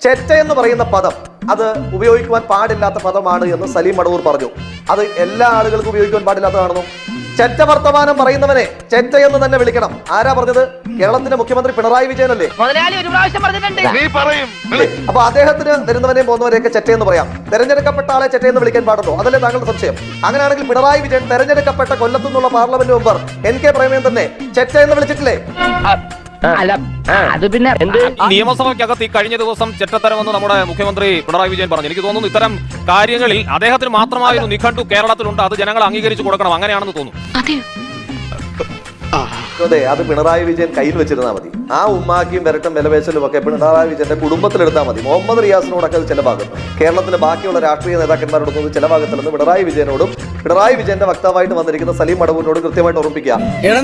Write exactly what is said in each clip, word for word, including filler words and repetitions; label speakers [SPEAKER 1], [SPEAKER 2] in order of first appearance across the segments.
[SPEAKER 1] ചെറ്റ എന്ന് പറയുന്ന പദം അത് ഉപയോഗിക്കുവാൻ പാടില്ലാത്ത പദമാണ് എന്ന് സലീം മടവൂർ പറഞ്ഞു. അത് എല്ലാ ആളുകൾക്കും ഉപയോഗിക്കുവാൻ പാടില്ലാത്തതാണെന്നും ചെറ്റ വർത്തമാനം പറയുന്നവനെ ചെറ്റ എന്ന് തന്നെ വിളിക്കണം. ആരാ പറഞ്ഞത്? കേരളത്തിന്റെ മുഖ്യമന്ത്രി പിണറായി വിജയനല്ലേ. അപ്പൊ അദ്ദേഹത്തിന് വരുന്നവനെയും പോകുന്നവരെയൊക്കെ ചെറ്റ എന്ന് പറയാം. തെരഞ്ഞെടുക്കപ്പെട്ട ആളെ ചെറ്റ എന്ന് വിളിക്കാൻ പാടുള്ളൂ. അതല്ലേ താങ്കളുടെ സംശയം? അങ്ങനെയാണെങ്കിൽ പിണറായി വിജയൻ തെരഞ്ഞെടുക്കപ്പെട്ട കൊല്ലത്തു നിന്നുള്ള parliament member N K Preman തന്നെ ചെറ്റ എന്ന് വിളിച്ചിട്ടില്ലേ?
[SPEAKER 2] അല്ല, അത് പിന്നെ
[SPEAKER 3] നിയമസഭയ്ക്കകത്ത് ഈ കഴിഞ്ഞ ദിവസം ചെറ്റത്തരമെന്ന് നമ്മുടെ മുഖ്യമന്ത്രി പിണറായി വിജയൻ പറഞ്ഞു. എനിക്ക് തോന്നുന്നു ഇത്തരം കാര്യങ്ങളിൽ അദ്ദേഹത്തിന് മാത്രമായ ഒരു നിഘണ്ടു കേരളത്തിലുണ്ട്. അത് ജനങ്ങൾ അംഗീകരിച്ചു കൊടുക്കണം. അങ്ങനെയാണെന്ന് തോന്നുന്നു.
[SPEAKER 1] അതെ, അത് പിണറായി വിജയൻ കയ്യിൽ വെച്ചിരുന്നാൽ മതി. ആ ഉമ്മാക്കിയും വരട്ടും വിലപേശലും ഒക്കെ പിണറായി വിജയന്റെ കുടുംബത്തിലെടുത്താൽ മതി. മുഹമ്മദ് റിയാസിനോടൊക്കെ അത് ചില ഭാഗം, കേരളത്തിലെ ബാക്കിയുള്ള രാഷ്ട്രീയ നേതാക്കന്മാരോടൊന്നും ചില ഭാഗത്തിൽ നിന്ന് പിണറായി വിജയനോടും പിണറായി വിജയന്റെ വക്താവായിട്ട് വന്നിരിക്കുന്ന സലീം മടവൂരിനോടും കൃത്യമായിട്ട് ഓർമ്മിക്കുക.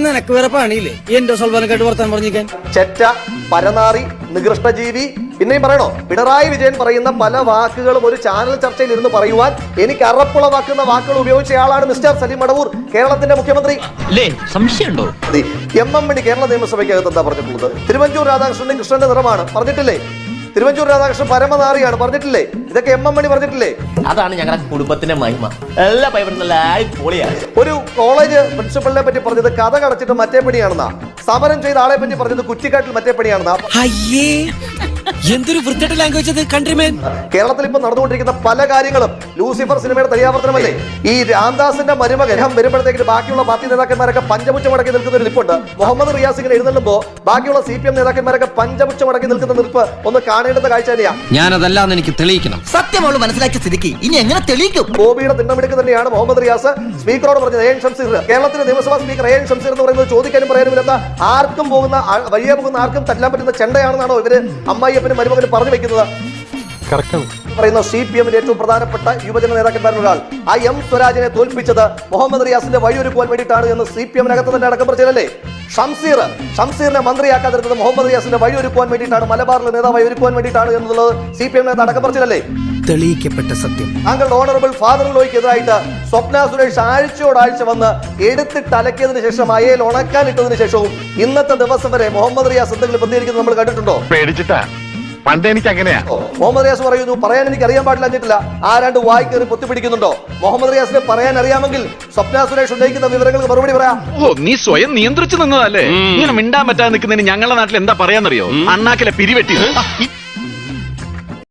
[SPEAKER 1] ചെറ്റ, പരനാറി, നികൃഷ്ടജീവി, പിന്നെയും പറയണോ? പിണറായി വിജയൻ പറയുന്ന പല വാക്കുകളും ഒരു ചാനൽ ചർച്ചയിൽ ഇരുന്ന് പറയുവാൻ എനിക്ക് അറപ്പുളവാക്കുന്ന വാക്കുകൾ ഉപയോഗിച്ചയാളാണ് മിസ്റ്റർ സലീം മടവൂർ, കേരളത്തിന്റെ മുഖ്യമന്ത്രി.
[SPEAKER 2] സംശയമുണ്ടോ?
[SPEAKER 1] എം എം മണി കേരള നിയമസഭയ്ക്കകത്ത് എന്താ പറഞ്ഞിട്ടുള്ളത്? തിരുവഞ്ചൂർ രാധാകൃഷ്ണന്റെ കൃഷ്ണന്റെ നിറമാണ് പറഞ്ഞിട്ടില്ലേ? തിരുവഞ്ചൂർ രാധാകൃഷ്ണൻ പരമനാറിയാണ് പറഞ്ഞിട്ടില്ലേ? ഇതൊക്കെ എം എം മണി പറഞ്ഞിട്ടില്ലേ?
[SPEAKER 4] അതാണ് ഞങ്ങളുടെ കുടുംബത്തിന്റെ മഹിമ. എല്ലാ പൊളിയാണ്.
[SPEAKER 1] ഒരു കോളേജ് പ്രിൻസിപ്പലിനെ പറ്റി പറഞ്ഞത് കഥ കടച്ചിട്ട് മറ്റേ പണിയാണെന്നാ. സമരം ചെയ്ത ആളെ പറ്റി പറഞ്ഞത് കുറ്റിക്കാട്ടിൽ മറ്റേ പണിയാണെന്നാ.
[SPEAKER 5] എന്തൊരു വൃത്തിയുടെ ലാംഗ്വേജ് അത് കൺട്രിമേൻ.
[SPEAKER 1] കേരളത്തിൽ ഇപ്പൊ നടന്നുകൊണ്ടിരിക്കുന്ന പല കാര്യങ്ങളും ലൂസിഫർ സിനിമയുടെ തയ്യാവർത്തനമല്ലേ? ഈ രാംദാസിന്റെ മരുമകൻ വരുമ്പോഴത്തേക്ക് ബാക്കിയുള്ള പാർട്ടി നേതാക്കന്മാരൊക്കെ പഞ്ചമുച്ച മടക്കി നിൽക്കുന്ന ഒരു നിൽപ്പുണ്ട്. മുഹമ്മദ് റിയാസ് ഇങ്ങനെ എഴുന്നള്ളുമ്പോ ബാക്കിയുള്ള സി പി എം നേതാക്കന്മാരൊക്കെ പഞ്ചമുച്ച മടക്കി നിൽക്കുന്ന നിൽപ്പ് ഒന്ന് കാണേണ്ടത് കാഴ്ച തന്നെയാ.
[SPEAKER 5] ഞാനതല്ലാന്ന് എനിക്ക് തെളിയിക്കണം.
[SPEAKER 4] സത്യമോള് മനസ്സിലാക്കിയ സ്ഥിതിക്ക് ഇനി എങ്ങനെ തെളിയിക്കും?
[SPEAKER 1] ഗോപിയുടെ തിണ്ടമെടുക്ക് തന്നെയാണ് മുഹമ്മദ് റിയാസ് സ്പീക്കറോട് പറഞ്ഞത്. എ എൻ ഷംസീർ, കേരളത്തിലെ നിയമസഭാ സ്പീക്കർ എ എൻ ഷംസീർ എന്ന് പറയുന്നത് ചോദിക്കാനും പറയാനുമില്ലാത്ത, ആർക്കും പോകുന്ന വഴിയെ പോകുന്ന ആർക്കും തല്ലാൻ പറ്റുന്ന ചെണ്ടയാണെന്നാണോ ഇവര് അമ്മായിയപ്പനും മരുമകനും പറഞ്ഞു വെക്കുന്നത്? പറയുന്ന സി പി എമ്മിന്റെ ഏറ്റവും പ്രധാനപ്പെട്ട യുവജന നേതാക്കന്മാരിൽ ഒരാൾ ആ എം സ്വരാജിനെ തോൽപ്പിച്ചത് മുഹമ്മദ് റിയാസിന്റെ വഴിയൊരുക്കുവാൻ വേണ്ടിയിട്ടാണ് എന്ന് സി പി എമ്മിനകത്ത് തന്നെ അടക്കം പറഞ്ഞല്ലേ? ഷംസീർ ഷംസീറിനെ മന്ത്രിയാക്കാതിരുന്നത് മുഹമ്മദ് റിയാസിന്റെ വഴിയൊരുക്കുവാൻ വേണ്ടിയിട്ടാണ്, മലബാറിലെ നേതാവായി ഒരുക്കുവാൻ വേണ്ടിയിട്ടാണ് എന്നുള്ളത് സി പി എമ്മിനകത്ത് അടക്കം പറഞ്ഞല്ലേ?
[SPEAKER 5] തെളിയിക്കപ്പെട്ട സത്യം.
[SPEAKER 1] താങ്കളുടെ ഓണറബിൾ ഫാദർ ലോയ്ക്കെതിരായിട്ട് സ്വപ്ന സുരേഷ് ആഴ്ചയോടാഴ്ച വന്ന് എടുത്തിട്ട് അലക്കിയതിനു ശേഷം അയയിൽ ഉണക്കാനിട്ടതിനു ശേഷവും ഇന്നത്തെ ദിവസം വരെ മുഹമ്മദ് റിയാസ് എന്തെങ്കിലും പ്രതികരിക്കുന്നത് നമ്മൾ കണ്ടിട്ടുണ്ടോ?
[SPEAKER 6] പേടിച്ചിട്ടാ. പണ്ട് എനിക്ക് അങ്ങനെയാ.
[SPEAKER 1] മുഹമ്മദ് റിയാസ് പറയുന്നു പറയാൻ എനിക്ക് അറിയാൻ പാടില്ല എന്നിട്ടില്ല. ആരാണ്ട് വായി കയറി പൊത്തിപ്പിടിക്കുന്നുണ്ടോ? മുഹമ്മദ് റിയാസിനെ പറയാൻ അറിയാമെങ്കിൽ സ്വപ്ന സുരേഷ് ഉന്നയിക്കുന്ന വിവരങ്ങൾക്ക് മറുപടി പറയാം.
[SPEAKER 6] ഓ, നീ സ്വയം നിയന്ത്രിച്ചു നിന്നതല്ലേ? ഇങ്ങനെ മിണ്ടാൻ പറ്റാതെ നിൽക്കുന്നതിന് ഞങ്ങളുടെ നാട്ടിൽ എന്താ പറയാന്നറിയോ? അണ്ണാക്കിലെ പിരിവെട്ടി.